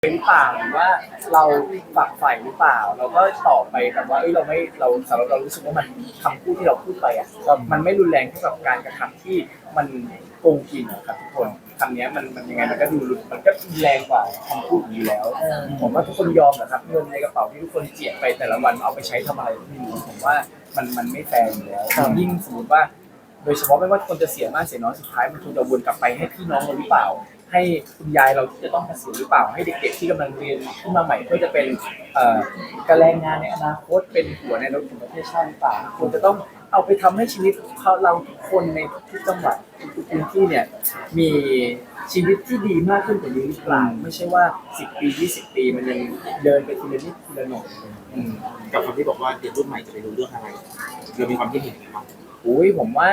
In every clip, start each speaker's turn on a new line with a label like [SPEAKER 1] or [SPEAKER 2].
[SPEAKER 1] หรือเปล่าหรือว่าเราฝักใฝ่หรือเปล่าเราก็ตอบไปแบบว่าเราไม่เราสำหรับเรารู้สึกว่ามันคำพูดที่เราพูดไปอ่ะมันไม่รุนแรงเท่ากับการกระทำที่มันโกงกินครับทุกคนคำนี้มันยังไงมันก็ดูมันก็แรงกว่าคำพูดอยู่แล้วผมว่าทุกคนยอมนะครับเงินในกระเป๋าที่ทุกคนเจียดไปแต่ละวันเอาไปใช้ทำอะไรไม่รู้ผมว่ามันไม่แฟร์อยู่แล้วยิ่งสมมติว่าโดยเฉพาะไม่ว่าคนจะเสียมากเสียน้อยสุดท้ายมันคงจะวนกลับไปให้พี่น้องเราหรือเปล่าให้คุณยายเราที่จะต้องเกษียณหรือเปล่าให้เด็กๆที่กำลังเรียนขึ้นมาใหม่เพื่อจะเป็นการแรงงานในอนาคตเป็นหัวในรถของประเทศชาติหรือเปล่าควรจะต้องเอาไปทำให้ชีวิตเราทุกคนในทุกจังหวัดทุกพื้นที่เนี่ยมีชีวิตที่ดีมากขึ้นกว่านี้หรือเปล่าไม่ใช่ว่า10 ปี20 ปีมันยังเดินไปทีละนิดทีละหน่อย
[SPEAKER 2] กับคำที่บอกว่าเด็กรุ่นใหม่จะไปรู้เรื่องอะไรเรามีความคิดเห็นไหมครับ
[SPEAKER 1] ผมว่า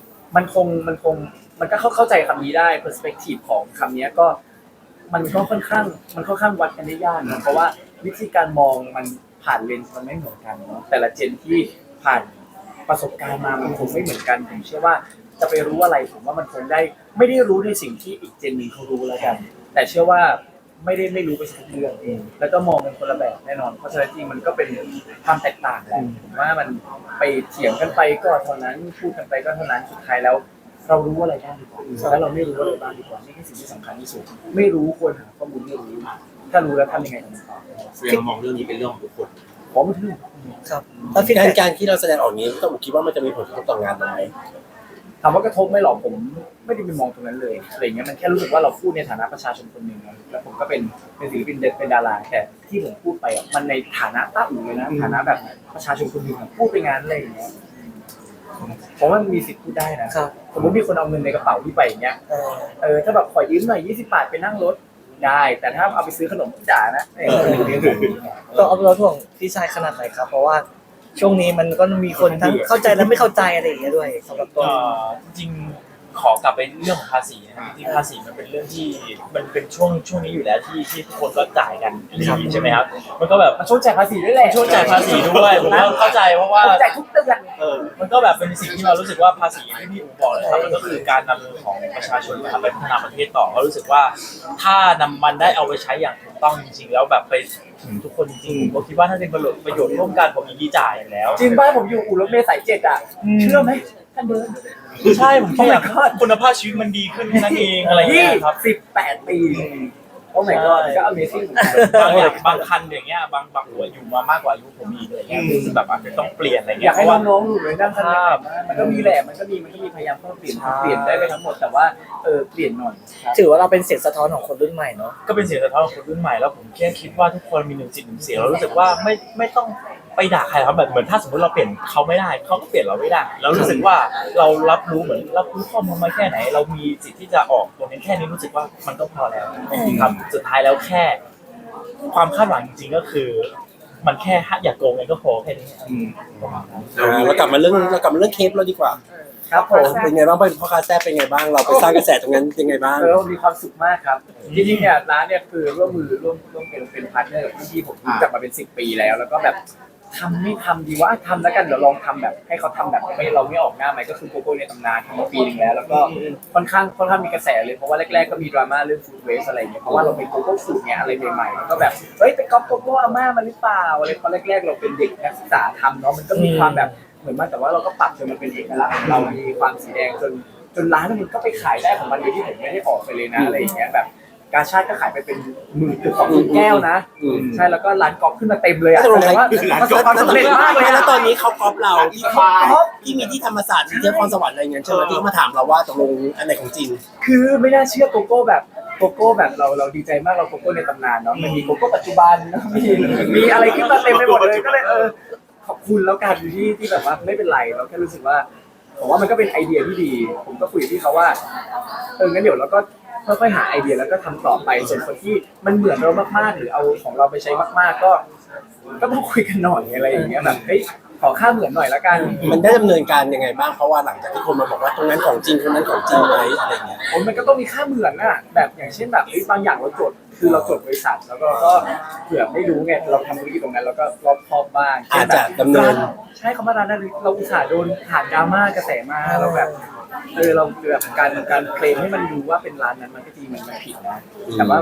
[SPEAKER 1] มันก็เข้าใจคำนี้ได้ perspective ของคำนี้ก็มันค่อนข้างวัดกันได้ยากนะเพราะว่าวิธีการมองมันผ่านเลนส์มันไม่เหมือนกันเนาะแต่ละเจนที่ผ่านประสบการณ์มามันคงไม่เหมือนกันผมเชื่อว่าจะไปรู้อะไรผมว่ามันคงได้ไม่ได้รู้ในสิ่งที่อีกเจนนึงเขารู้แล้วกันแต่เชื่อว่าไม่รู้ไปสักเรื่องเองแล้วก็มองเป็นคนละแบบแน่นอนเพราะฉะนั้นจริงมันก็เป็นความแตกต่างแหละผมว่ามันไปเถียงกันไปก็เท่านั้นพูดกันไปก็เท่านั้นสุดท้ายแล้วเรารู้อะไรบ้างดีกว่าแล้วเราไม่รู้อะไรบ้างดีกว่านี่คือสิ่งที่สำคัญที่สุดไม่รู้ควรหาข้อมูลไม่รู้ถ้ารู้แล้วทำยังไงต่อ
[SPEAKER 2] แสดงมองเรื่องนี้เป็นเรื่องของทุกคน
[SPEAKER 1] ผมถือ
[SPEAKER 3] ครับแล้วการที่เราแสดงออกนี้ต้องคิดว่ามันจะมีผลกระทบต่องานไหม
[SPEAKER 1] ถามว่ากระทบไหมหรอผมไม่ได้ไปมองตรงนั้นเลยอะไรเงี้ยมันแค่รู้สึกว่าเราพูดในฐานะประชาชนคนหนึ่งแล้วผมก็เป็นศิลปินเป็นดาราแต่ที่ผมพูดไปมันในฐานะต้าอู่เลยนะฐานะแบบประชาชนคนหนึ่งพูดไปงานอะไรอย่างเงี้ยผมว่ามันมีสิทธิ์พูดได้นะสมมติมีคนเอาเงินในกระเป๋าที่ไปอย่างเงี้ยถ้าแบบขอยืมหน่อย20 บาทไปนั่งรถได้แต่ถ้าเอาไปซื้อขนมจ่านะ
[SPEAKER 3] ต้องเอาเราถ่วงพี่ชายขนาดไหนครับเพราะว่าช่วงนี้มันก็มีคนทั้งเข้าใจและไม่เข้าใจอะไรอย่างเงี้ยด้วยสำหรับตัว
[SPEAKER 4] จริงขอกลับไปเรื่องของภาษีนะครับที่ภาษีมันเป็นเรื่องที่มันเป็นช่วงนี้อยู่แล้วที่ทุกคนก็จ่ายกันใช่ไหมครับมันก็แบบ
[SPEAKER 1] มันช่วงจ่ายภาษีด้วยแหละ
[SPEAKER 4] ช่วงจ่ายภาษีด้วยผมก็เข้าใจเพราะว่า
[SPEAKER 1] จ่ายทุกเดือน
[SPEAKER 4] มันก็แบบเป็นสิ่งที่เรารู้สึกว่าภาษีที่พี่อู๋บอกเลยครับมันก็คือการนำเงินของประชาชนมาไปพัฒนาประเทศต่อก็รู้สึกว่าถ้านำมันได้เอาไปใช้อย่างถูกต้องจริงๆแล้วแบบไปถึงทุกคนจริงๆผมก็คิดว่าถ้าเป็นประโยชน์ร่วมกันผมยินดีจ่ายอยู่แล้ว
[SPEAKER 1] จริงบ้านผมอยู่อู่รถเมล์สาย7อ่ะเชื่อไหมท่านเดิน
[SPEAKER 4] ใช่ผมแค่อยากคุณภาพชีวิตมันดีขึ้นแค่นั้นเองอะไรอย่างเงี้ยครับ
[SPEAKER 1] 18 ปีโอ้ my god ก็ amazing
[SPEAKER 4] บางคันอย่างเงี้ยบางหัวอยู่มามากกว่าอายุผมอีกอะไรเงี้ยคือแบบอาจจะต้องเปลี่ยนอะไรเงี้
[SPEAKER 1] อยากให้น้องๆอยู่เลยนั่งคันมันก็มีแหละมันก็มีพยายามเปลี่ยนได้ไปทั้งหมดแต่ว่าเปลี่ยนหน่อย
[SPEAKER 3] ถือว่าเราเป็นเสียงสะท้อนของคนรุ่นใหม่เนาะ
[SPEAKER 4] ก็เป็นเสียงสะท้อนของคนรุ่นใหม่แล้วผมแค่คิดว่าทุกคนมี1 จิต 1 เสียงเรารู้สึกว่าไม่ต้องไปด่าใครครับแบบเหมือนถ้าสมมติเราเปลี่ยนเขาไม่ได้เขาก็เปลี่ยนเราไม่ได้เรารู้สึกว่าเรารับรู้ข้อมูลมาแค่ไหนเรามีสิทธิ์ที่จะออกตรงนี้แค่นี้รู้สึกว่ามันก็พอแล้วครับสุดท้ายแล้วแค่ความคาดหวังจริงๆก็คือมันแค่อย่าโกงเองก็พอแค่นี้
[SPEAKER 3] เรากลับมาเรื่องเคปเราดีกว่า
[SPEAKER 1] ครับผม
[SPEAKER 3] เป็นไงบ้างเป็นพ่อค้าแซ่บเป็นไงบ้างเราไปสร้างกระแสตรงนั้นยังไงบ้าง
[SPEAKER 1] มีความสุขมากครับจริงๆเนี่ยร้านเนี่ยคือร่วมเป็นพาร์ทเนอร์กับพี่ผมรู้จักมาเป็น10 ปีแล้วก็แบบไม่ทำดีว่าทำแล้วกันเดี๋ยวลองทำแบบให้เขาทำแบบเราไม่ออกหน้าไหมก็คือโกโก้ในตำนานทำมาปีนึงแล้วก็ค่อนข้างมีกระแสเลยเพราะว่าแรกๆก็มีดราม่าเรื่องฟู้ดเวสอะไรอย่างเงี้ยเพราะว่าเราเป็นโกโก้สูตรเนี่ยอะไรใหม่ๆแล้วก็แบบไปก๊อปโกโก้อาม่ามาหรือเปล่าอะไรเพราะแรกๆเราเป็นเด็กนักศึกษาทำเนาะมันก็มีความแบบเหมือนมาแต่ว่าเราก็ปรับจนมันเป็นเอกลักษณ์เรามีความสีแดงจนร้านมันก็ไปขายได้ของมันโดยที่ผมไม่ได้ออกไปเลยนะอะไรอย่างเงี้ยแบบกาชาดก็ขายไปเป็น10,000 แก้วนะใช่แล้วก็ร้านกอล์ฟขึ้นมาเต็มเลยอ่ะแสดงว่าประสบความสำเร็จมากเลย
[SPEAKER 3] แล้วตอนนี้เขากอล์ฟเราที่มีที่ธรรมศาสตร์ที่เทพพรสวรรค์อะไรเงี้ยใช่ไหมที่เขามาถามเราว่าตกลงอันไหนของจริง
[SPEAKER 1] คือไม่น่าเชื่อโกโก้แบบเราดีใจมากเราโกโก้ในตำนานเนาะมันมีโกโก้ปัจจุบันมีอะไรขึ้นมาเต็มไปหมดเลยก็เลยขอบคุณแล้วกันที่แบบว่าไม่เป็นไรเราแค่รู้สึกว่าผมว่ามันก็เป็นไอเดียที่ดีผมก็คุยกับพี่เขาว่างั้นเดี๋ยวเราก็ค่อยๆหาไอเดียแล้วก็ทำต่อไปส่วนคนที่มันเหมือนเรามากๆหรือเอาของเราไปใช้มากๆก็ต้องคุยกันหน่อยอะไรอย่างเงี้ยแบบขอค่าเหมือนหน่อยละกัน
[SPEAKER 3] มันได้ดำเนินการยังไงบ้างเพราะว่าหลังจากที่คนมาบอกว่าตรงนั้นของจริงตรงนั้นของจริงอะไรเงี้ย
[SPEAKER 1] มันก็ต้องมีค่าเหมือนน่ะแบบอย่างเช่นแบบบางอย่างเราจดคือเราจดบริษัทแล้วก็เผื่อไม่รู้ไงเราทำธุรกิจตรงนั้นแล้วก็รอบคอบบ้าง
[SPEAKER 3] อาจจะดำเนิน
[SPEAKER 1] ใช่เขามาร้านนั้นเราอุตส่าห์โดนผ่านดราม่ากระแสมาเราแบบเราแบบการเคลมให้มันดูว่าเป็นร้านนั้นมันก็จริงมันผิดนะแต่ว่าแบบ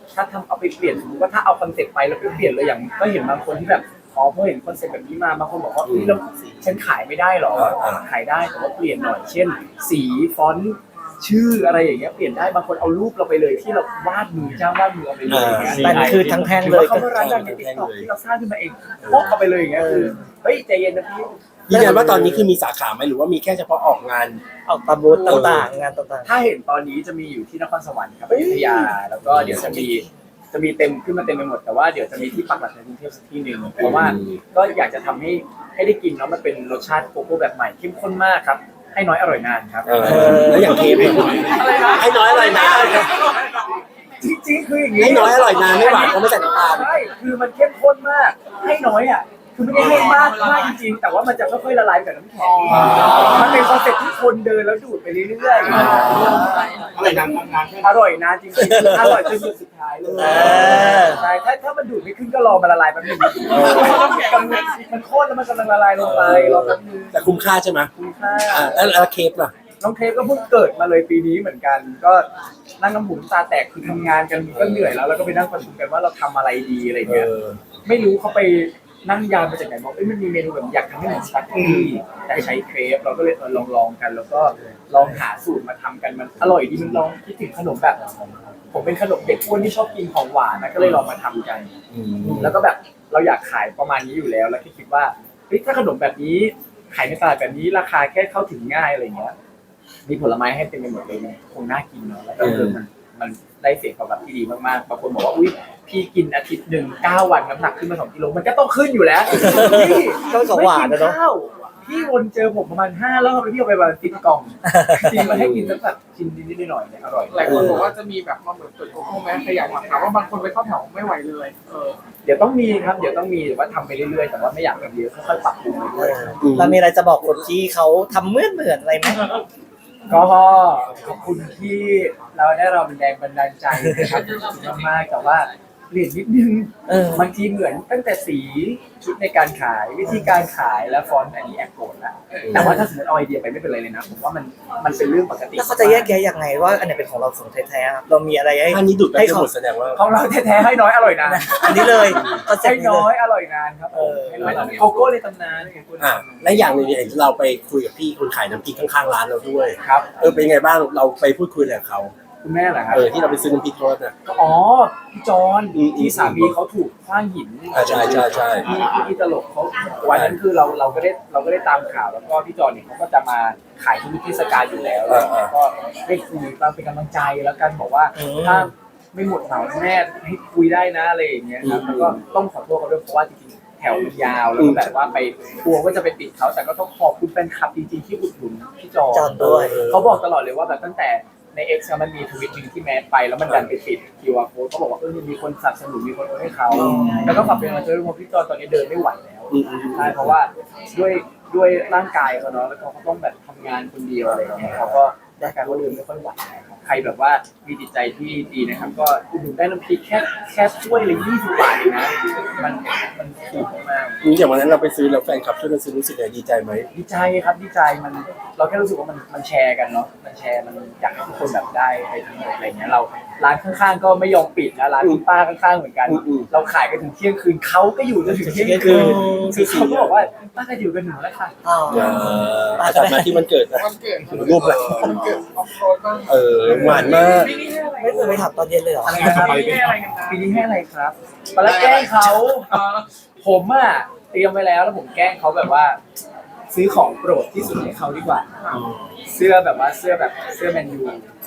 [SPEAKER 1] ถ้าทำเอาไปเปลี่ยนสมมติว่าถ้าเอาคอนเซ็ปต์ไปแล้วไปเปลี่ยนเลยอย่างก็เห็นบางคนที่แบบอ๋อพอเห็นคอนเซ็ปต์แบบนี้มาบางคนบอกว่าแล้วฉันขายไม่ได้หรอขายได้แต่ว่าเปลี่ยนหน่อยเช่น สีฟอนต์ชื่ออะไรอย่างเงี้ยเปลี่ยนได้บางคนเอารูปเราไปเลยที่เราวาดมือจ้างวาดมือเอาไปเลยอย่างเงี้ย
[SPEAKER 3] แต่นี่คือทั้งแท่ง
[SPEAKER 1] หรือ
[SPEAKER 3] เลย
[SPEAKER 1] ว่าเขามาร้านดังในติ๊กต็อกที่เราสร้างขึ้นมาเองโพกเอาไปเลยอย่างเงี้ยคือเฮ้ยใจเย็นนะพี่
[SPEAKER 5] ยืนยันว่าตอนนี้คือมีสาขาไหมหรือว่ามีแค่เฉพาะออกงาน
[SPEAKER 3] ออกตามบูธต่างๆงานต่าง
[SPEAKER 1] ถ้าเห็นตอนนี้จะมีอยู่ที่นครสวรรค์ครับอยุธยาแล้วก็เดี๋ยวจะมีเต็มขึ้นมาเต็มไปหมดแต่ว่าเดี๋ยวจะมีที่ปักหลักในกรุงเทพสักที่หนึ่งเพราะว่าก็อยากจะทำให้ได้กินแล้วมันเป็นรสชาติโกโก้แบบใหม่เข้มข้นมากครับให้น้อยอร่อยนานครับ
[SPEAKER 5] แล้วอย่างเคฟเนี่ยให้น้อยอร่อยนาน
[SPEAKER 1] จริงๆคืออย่างนี้
[SPEAKER 5] ให้น้อยอร่อยนานไม่หวานก็ไม่ใส่น้ำตาล
[SPEAKER 1] ใช่คือมันเข้มข้นมากให้น้อยอ่ะคือไม่ได้ให้มากจริงๆแต่ว่ามันจะค่อยๆละลายไปกับน้ำแข็งมันเป็นคอนเซ็ปต์ที่คนเดินแล้วดูดไปเรื่อยๆ
[SPEAKER 2] อะไรนานทำงานแค่
[SPEAKER 1] อร่อยนานจริงๆอร่อยจนสุดสุดท้ายเลยใช่ถ้ามันดูดไม่ขึ้นก็รอมันละลายแป๊บนึงมันข้นแล้วมันกำลังละลายลงไปรอแป๊บนึง
[SPEAKER 5] แต่คุ้มค่าใช่ไหม
[SPEAKER 1] คุ้มค่า
[SPEAKER 5] แล้วเคฟล่ะ
[SPEAKER 1] น้องเทปก็เพิ่งเกิดมาเลยปีนี้เหมือนกัน ก็นั่งน้ำหมุนตาแตกคือทำงานกันก็เหนื่อยแล้วแล้วก็ไปนั่งประชุมกันว่าเราทำอะไรดีอะไรเงี้ยไม่รู้เขาไปนั่งยานมาจากไหนบอกมันมีเมนูแบบอยากทำให้เหมือนสปาเกตตี้แต่ใช้เครปเราก็เลยลองกัน แล้วก็ลองหาสูตรมาทำกันมันอร่อยดีมันลองคิดถึงขนมแบบผมเป็นขนมเด็กอ้วนที่ชอบกินของหวานนะก็เลยลองมาทำกัน แล้วก็แบบเราอยากขายประมาณนี้อยู่แล้วแล้วคิดว่าเฮ้ยถ้าขนมแบบนี้ขายในตลาดแบบนี้ราคาแค่เข้าถึงง่ายอะไรเงี้ยมีผลไม้ให้เต็มไปหมดเลยคงน่ากินเนาะแล้วก็มันได้เสียงตอบรับที่ดีมากๆบางคนบอกว่าอุ้ยพี่กินอาทิตย์หนึ่ง9 วันน้ำหนักขึ้นมา2 กิโลมันก็ต้องขึ้นอยู่แล้วพี่
[SPEAKER 3] ก็ของหวานนะเนาะ
[SPEAKER 1] พี่วนเจอผมประมาณ5 รอบแล้วพี่เอาไปประมาณ10 กล่องจริงมาให้กินสักแบบชิ้นนิดๆหน่อยๆเนี่ยอร่อย
[SPEAKER 6] หลายคนบอกว่าจะมีแบบมาเหมือนจุดโกโก้แม้ขยายมาถามว่าบางคนไปเข้าแถวไม่ไหวเลย
[SPEAKER 1] เดี๋ยวต้องมีครับเดี๋ยวต้องมีแต่ว่าทำไปเรื่อยๆแต่ว่าไม่อยากทำเยอะค่อยๆปรับปรุงไปเรื่อย
[SPEAKER 3] เรามีอะไรจะบอกคนที่เขาทำเหมือนอะไรไหม
[SPEAKER 1] ก็ขอบคุณที่เราได้เราเป็นแรงบันดาลใจนะครับขอบคุณมากๆแต่ว่าเปลี่ยนนิดนึงบางทีเหมือนตั้งแต่สีชุดในการขายวิธีการขายและฟอนต์อันนี้แอบโกรธละแต่ว่าถ้าสมมติเอาไอเดียไปไม่เป็นไรเลยนะผมว่ามันเป็นเรื่องปกติ
[SPEAKER 3] แล้วเขาจะแยกแยะยังไงว่าอันไหนเป็นของเราของแท้ๆครับเรามีอะไรให้
[SPEAKER 5] อันนี้ดูดไป
[SPEAKER 3] ให้
[SPEAKER 5] จะ
[SPEAKER 3] เขา
[SPEAKER 5] หมดแสดงว่า
[SPEAKER 1] ของเราแท้ๆให้น้อยอร่อยนาน
[SPEAKER 3] อันนี้เลยคอนเซ็ป
[SPEAKER 1] ให้
[SPEAKER 3] ต์นี้
[SPEAKER 1] น้
[SPEAKER 3] เล
[SPEAKER 1] อย
[SPEAKER 3] ย
[SPEAKER 1] อร่อยนานครับให้น้อยโกโก้ในตำนาน
[SPEAKER 5] และอย่างหนึงเห็นเราไปคุยกับพี่คนขายน้ำพริกข้างๆร้านเราด้วย
[SPEAKER 1] ครับ
[SPEAKER 5] เป็นไงบ้างเราไปพูดคุยกับเขา
[SPEAKER 1] คุณแม่เหรอครับ
[SPEAKER 5] ที่เราไปซื้อน้ำพริกเขาเนี่ย
[SPEAKER 1] อ๋อพี่จอนที่สามีเขาถูกขว้างหิน
[SPEAKER 5] ใช่
[SPEAKER 1] ที่ตลกเขาวันนั้นคือเราก็ได้ตามข่าวแล้วก็พี่จอนเนี่ยเขาก็จะมาขายทุกเทศกาลอยู่แล้วแล้วก็ได้คุยตามเป็นกำลังใจแล้วกันบอกว่าถ้าไม่หมดเหมาแม่ให้คุยได้นะอะไรอย่างเงี้ยครับแล้วก็ต้องขอโทษเขาด้วยเพราะว่าจริงๆแถวมันยาวแล้วก็แบบว่าไปกลัวว่าจะไปติดเขาแต่ก็ต้องขอบคุณแฟนคลับจริงๆที่อุดหนุนพี่จ
[SPEAKER 3] จ
[SPEAKER 1] อ
[SPEAKER 3] อน นด้วย
[SPEAKER 1] เขาบอกตลอดเลยว่าแบบตั้งแต่ใน X มันมีทวิตหนึ่งที่แมสไปแล้วมันดันไปติด QR code เขาบอกว่ามีคนสนับสนุนมีคนโอนให้เขาแล้วก็ฝากเป็นกำลังใจด้วยเพราะพี่จอนตอนนี้เดินไม่ไหวแล้วใช่เพราะว่าด้วยร่างกายเขาเนาะแล้วเขาต้องแบบทำงานคนเดียวอะไรอย่างเงี้ยเขาก็ร่างกายเขาเดินไม่ค่อยไหวนะครับใครแบบว่ามีจิตใจที่ดีนะครับก็อุดหนุนได้น้ำพริกแค่ถ้วยละ20 บาทเองนะมันถูกมาก
[SPEAKER 5] อย่างวันนั้นเราไปซื้อแล้วแฟนคลับช่วยกันซื้อรู้สึกไงดีใจไหม
[SPEAKER 1] ดีใจครับดีใจมันเราแค่รู้สึกว่ามันแชร์กันเนาะมันแชร์มันอยากให้ทุกคนแบบได้ไปทั้งหมดอะไรเงี้ยเราร้านข้างๆก็ไม่ยอมปิดนะร้านคุณป้าข้างๆเหมือนกัน เราขายกันถึงเที่ยงคืนเขาก็อยู่จนถึงเที่ยงคืนคือเขาก็บอกว่าป้าจะอยู่กันหนูแล้วค่ะ
[SPEAKER 5] กลับมาที่มันเกิดนะ
[SPEAKER 6] วันเกิด
[SPEAKER 5] รูปแหละ
[SPEAKER 6] วันเกิดออฟโรดบ้าง
[SPEAKER 5] หวานมาก
[SPEAKER 3] ไม่เคยไปถามตอนเย็นเลยเหรอ
[SPEAKER 1] อะไรนะครับปีนี้ให้อะไรครับตอนแรกแกล้งเขาผมอ่ะเตรียมไว้แล้วผมแกล้งเขาแบบว่า ซื้อของโปรดที่สุดให้เขาดีกว่า เสื้อแบบแมนยู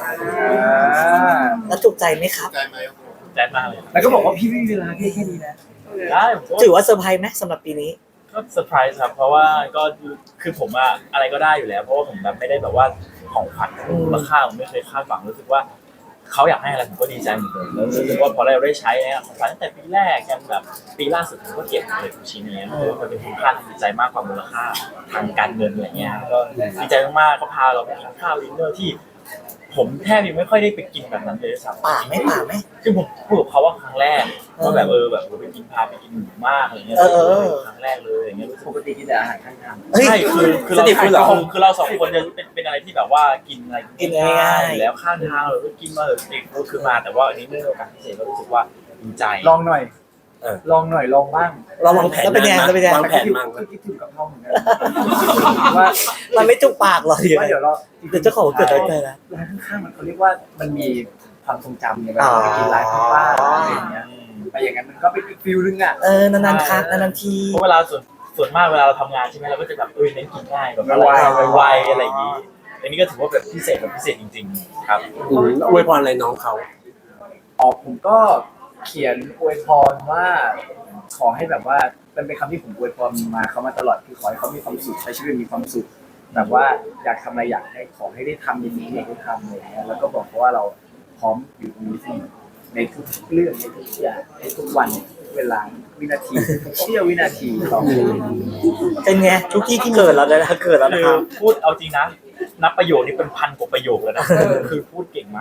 [SPEAKER 3] แล้วถูกใจไหมครับ
[SPEAKER 4] แจ๊ดมากเลย
[SPEAKER 1] แล้วก็บอกว่าพี่ไม่มีเวลาแค่นี้นะ
[SPEAKER 4] ได้ผมก็
[SPEAKER 3] ถือว่าเซอร์ไพรส์ไหมสำหรับปีนี้
[SPEAKER 4] ก็เซอร์ไพรส์ครับเพราะว่าก็คือผมอะอะไรก็ได้อยู่แล้ว เพราะว่าผมแบบไม่ได้แบบว่าของขวัญมูลค่าผมไม่เคยคาดหวังรู้สึกว่าเขาอยากให้อะไรผมก็ดีใจหมดเลยแล้วรู้สึกว่าพอเราได้ใช้เนี่ยของขวัญตั้งแต่ปีแรกยันแบบปีล่าสุดผมก็เก็บเลยทุกชิ้นนี้เพราะว่ามันเป็นคุณค่าทางจิตใจมากกว่ามูลค่าทางการเงินอะไรเงี้ยก็ดีใจมากๆเขาพาเราไปกินข้าวดินเนอร์ที่ผมแทบยังไม่ค่อยได้ไปกินแบบนั้นเลยสัก
[SPEAKER 3] ป่าไหม
[SPEAKER 4] คือผมพูดกับเขาว่าครั้งแรกว่าแบบแบบไปกินพาไปกินหมูมากอะไรเงี้ยครั้งแรกเลยอย่างเงี้ย
[SPEAKER 1] ปกติกินแต่อาหารข้างทาง
[SPEAKER 3] เฮ้ย
[SPEAKER 4] ใช่คือเราคือเราสองคนจะเป็นอะไรที่แบบว่ากินอะไร
[SPEAKER 3] กินง่ายๆ
[SPEAKER 4] อยู่แล้วข้างทางเราก็กินมาเด็กก็คือมาแต่ว่าอันนี้เนื่องจากพิเศษก็รู้สึกว่าดีใจ
[SPEAKER 1] ลองหน่อยลองหน่อยลองบ้าง
[SPEAKER 3] เราวางแผนเป็นยังไงเป็นยังไง
[SPEAKER 5] วางแผนมั่ง
[SPEAKER 1] คิดถึงกับห้องเหมือนกันว่า
[SPEAKER 3] มันไม่จุกปากหรอ
[SPEAKER 1] ว่าเดี๋ยวเรา
[SPEAKER 3] เดี๋ยวเจ้าของเกิดอะไรนะ
[SPEAKER 1] ร้านข้างๆมันเขาเรียกว่ามันมีความทรงจำในเวลาไปกินร้านข้างบ้านอะไรอย่างเงี้ยไปอย่างนั้นมันก็เป็นอีกฟิลนึงอ่ะ
[SPEAKER 3] นานๆครั้งนานๆที
[SPEAKER 4] เพราะเวลาส่วนมากเวลาเราทำงานใช่ไหมเราก็จะแบบเน้นกินง่ายแบบไวๆอะไรอย่างนี้อันนี้ก็ถือว่าแบบพิเศษแบบพิเศษจริงๆครับ
[SPEAKER 5] อวยพรอะไรน้องเขา
[SPEAKER 1] ผมก็เขียนอวยพรว่าขอให้แบบว่าเป็นคำที่ผมอวยพรมาเขามาตลอดคือขอให้เขามีความสุขใช้ชีวิตมีความสุขแบบว่าอยากทำอะไรอยากให้ขอให้ได้ทำในสิ่งที่อยากได้ทำอะไรอย่างเงี้ยแล้วก็บอกเขาว่าเราพร้อมอยู่ตรงนี้เสมอในทุกเรื่องในทุกอย่างในทุกวันเวลาวินาทีทุกเสี้ยววินาทีต่อไป
[SPEAKER 3] เป็นไงทุกที่ที่เกิดแล้วนะเกิดแล้วนะ
[SPEAKER 4] คื
[SPEAKER 3] ค
[SPEAKER 4] อ
[SPEAKER 3] รับ
[SPEAKER 4] พูดเอาจริงนะนับประโยคนี้เป็นพันกว่าประโยคแล้วนะคือพูดเก่งมาก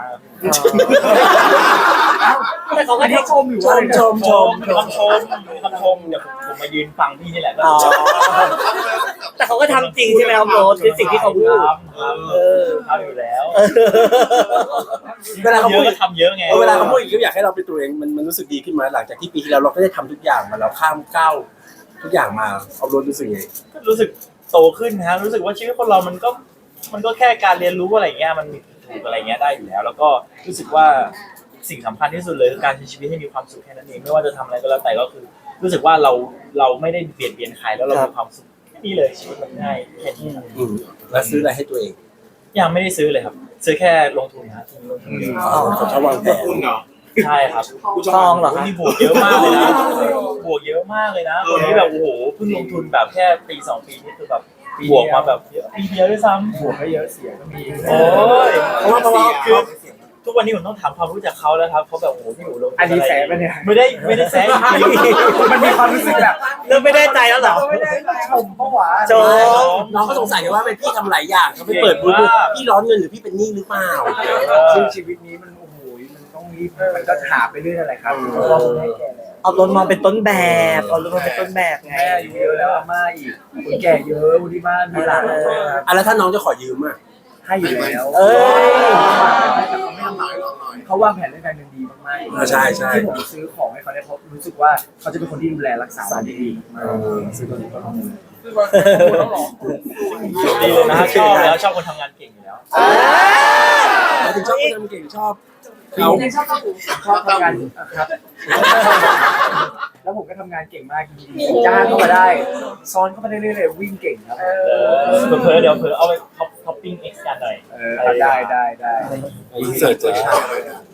[SPEAKER 3] แต่เขาก็
[SPEAKER 1] อันนี้ชมอยู่ว่า
[SPEAKER 4] ชมมีคำชมเดี๋ยวผมมายืนฟังพี่นี่แหละก็
[SPEAKER 3] แต่เขาก็ทำจริงใช่ไหมครับโรสในสิ่งที่เขาพูด
[SPEAKER 4] ทำอยู่แล้ว
[SPEAKER 5] เวลาเขา
[SPEAKER 4] เย
[SPEAKER 5] พูด
[SPEAKER 4] อะก็ทำเยอะไง
[SPEAKER 5] เวลาเขาพูดอย่างนี้อยากให้เราเป็นตัวเองมันรู้สึกดีขึ้นไหมหลังจากที่ปีที่แล้วเราก็ได้ทำทุกอย่างมาเราข้ามก้าวทุกอย่างมาเอารถรู้สึกไง
[SPEAKER 4] รู้สึกโตขึ้นนะรู้สึกว่าชีวิตคนเรามันก็แค่การเรียนรู้อะไรเงี้ยมันถูกอะไรเงี้ยได้อยู่แล้ว แล้วก็รู้สึกว่าสิ่งสำคัญที่สุดเลยคือการใช้ชีวิตให้มีความสุขแค่นั้นเองไม่ว่าจะทำอะไรก็แล้วแต่ก็คือ รู้สึกว่าเราไม่ได้เบียดเบียนใครแล้วเรามีความสุขแค่นี้เลยชีวิตมันง่ายแค่นี้
[SPEAKER 5] แล้วซื้ออะไรให้ตัวเอง
[SPEAKER 4] ยังไม่ได้ซื้อเลยครับ ซื้อแค่ลงทุนนะทีมลงทุนเยอะ
[SPEAKER 5] เขาชอบวางแผน
[SPEAKER 2] คุณเหรอ
[SPEAKER 4] ใช่ครับ
[SPEAKER 3] ทองเหรอ
[SPEAKER 4] วันนี้บวกเยอะมากเลยนะบวกเยอะมากเลยนะวันนี้แบบโอ้โหเพิ่งลงทุนแบบแค่ปี2 ปีนี่คือแบบบวกมาแบบเยอะปีเดียวด้วยซ้ำ
[SPEAKER 1] บวกก็เยอะเสียก็มี
[SPEAKER 4] โอ้ย
[SPEAKER 5] เพราะว่า
[SPEAKER 4] คือทุกวันนี้ผมต้องถามความรู้จักเขาแล้วครับเขาแบบโอ้โหพี่หนูลง
[SPEAKER 1] อันนี้แสบไปเนี่ย
[SPEAKER 4] ไม่ได้แซะจริง
[SPEAKER 1] มันมีความรู้สึกแบบ
[SPEAKER 3] เริ่มไม่ได้ใจแล้วเหรอ
[SPEAKER 1] ไม่ได้ชมเพราะว่า
[SPEAKER 3] ชม
[SPEAKER 5] น้องก็สงสัยกันว่าเป็นพี่ทำหลายอย่างเขาไปเปิดบูธพี่ร้อนเงินหรือพี่เป็นหนี้หรือเปล่า
[SPEAKER 1] ซึ่งชีวิตนี้มันโอ้โหมันต้องรีบมันก็หาไปเรื่อยอะไรครับเพราะว่าผมให้แก่แล้ว
[SPEAKER 3] เอารถมาเป็นต้นแบบเอารถมาเป็นต้นแบบไง
[SPEAKER 1] แม่อายุเยอะแล้วอาม่าอีกคนแก่เยอะคนที่บ้านมีหลาน
[SPEAKER 5] อ่ะแล้วถ้าน้องจะขอยืมอ่ะ
[SPEAKER 1] ให้อยู่แล้ว
[SPEAKER 3] เอ้ย
[SPEAKER 1] เขาวางแผนเรื่องการเงินดีมากๆ
[SPEAKER 5] ใช่ใช่
[SPEAKER 1] ที่ผมซื้อของให้เขาเนี่ยเพราะรู้สึกว่าเขาจะเป็นคนที่ดูแลรักษาบ้านได้ดีมากซื้อตัวนี้ก็ต้อง
[SPEAKER 6] คือว่าคุณแล้วหรอ
[SPEAKER 4] ๆดีเลยนะชอบแล้วชอบคนทำงานเก่งอยู่แล้ว
[SPEAKER 5] แล้วถึงชอบคนทำเก่งชอบ
[SPEAKER 1] เขา
[SPEAKER 5] เขา
[SPEAKER 1] ชอบทำงานครับ แล้วผมก็ทำงานเก่งมากจริงๆจ้างเข้ามาได้ซ้อนเข้ามาได้เรื่อยๆวิ่งเก่งครับ
[SPEAKER 4] เผลอๆเดี๋ยวเอาไปท็อปปิ้งเอ็กซ์กันหน่อย
[SPEAKER 1] ได้
[SPEAKER 5] อินเสิร์ตเจอชา